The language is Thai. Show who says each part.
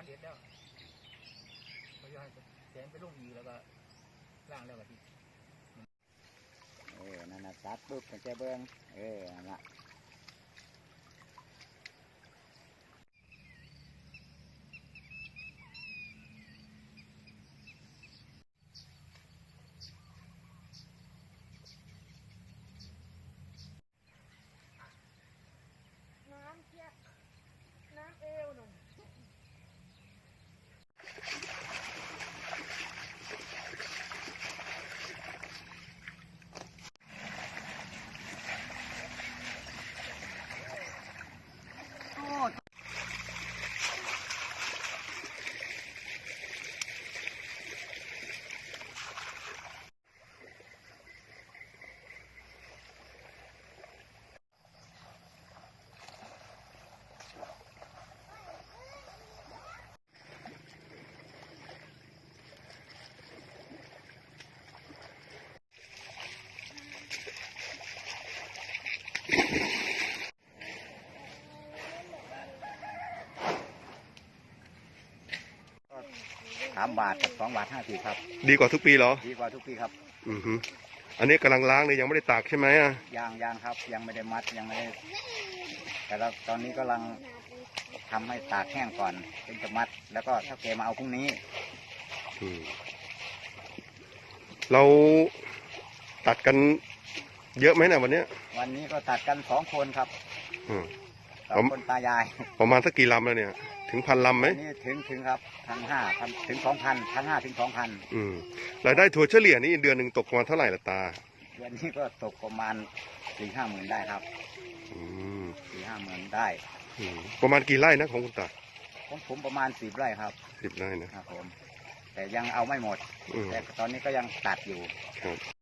Speaker 1: ร็จแล้วเขาจะให้แสงไปลงอีแล้วก็ล่างแล้วก็ที
Speaker 2: นั่นน่ะตัดปุ๊บมันจะเบิ้งนั่นละ
Speaker 3: น้ำเชี่ยน้ำเอวหนุ่ม
Speaker 2: 3 บาทกับ2 บาท 50ครับ
Speaker 4: ดีกว่าทุกปีเหรอ
Speaker 2: ดีกว่าทุกปีครับ
Speaker 4: อันนี้กำลังล้างเลยยังไม่ได้ตากใช่ไหม
Speaker 2: ยังครับยังไม่ได้มัดยังไม่ได้แต่เราตอนนี้กำลังทำให้ตากแห้งก่อนถึงจะมัดแล้วก็ถ้าเกมาเอาพรุ่งนี้
Speaker 4: เราตัดกันเยอะไหมนะวันนี้
Speaker 2: ก็ตัดกัน2 คนครับ2 คนตายาย
Speaker 4: ประมาณสักกี่ลำแล้วเนี่ยถึง1,000 ลำไหม
Speaker 2: นี่ถึงครับ1,500ถึง 2,000 1,500 ถึง 2,000
Speaker 4: รายได้ถั่วเฉลี่ยนี่เดือนหนึ่งตกประมาณเท่าไหร่ละตา
Speaker 2: เดือนนี้ก็ตกประมาณ 4-5 หมื่นได้ครับ4-5 หมื่นได้
Speaker 4: ประมาณกี่ไร่นะของคุณตา
Speaker 2: ของผมประมาณ10 ไร่ครับ
Speaker 4: 10 ไร่นะครับ
Speaker 2: ผมแต่ยังเอาไม่หมดแต่ตอนนี้ก็ยังตัดอยู่